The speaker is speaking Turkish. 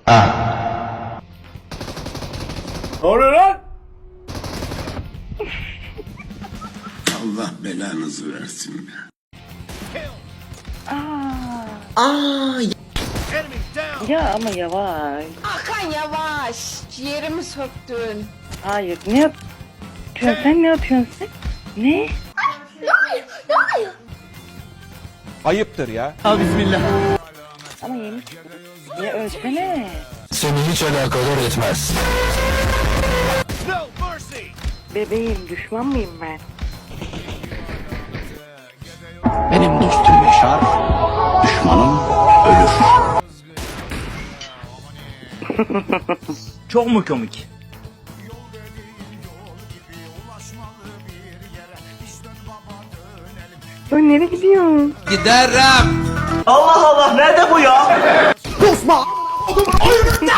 Ne oluyor lan? Allah belanızı versin be. Ya ama yavaş. Hakan yavaş. Ciğerimi söktün. Hayır ne yapıyorsun sen, ne yapıyorsun sen? Ne? Ayıptır ya. Ama yemiş. Ya ölsene. Seni hiç alakadar etmez. Bebeğim, düşman mıyım ben? Benim dostum yaşar, düşmanım ölür. Çok mu komik? Sen nereye gidiyorsun? Allah Allah, nerede bu ya? Kusma.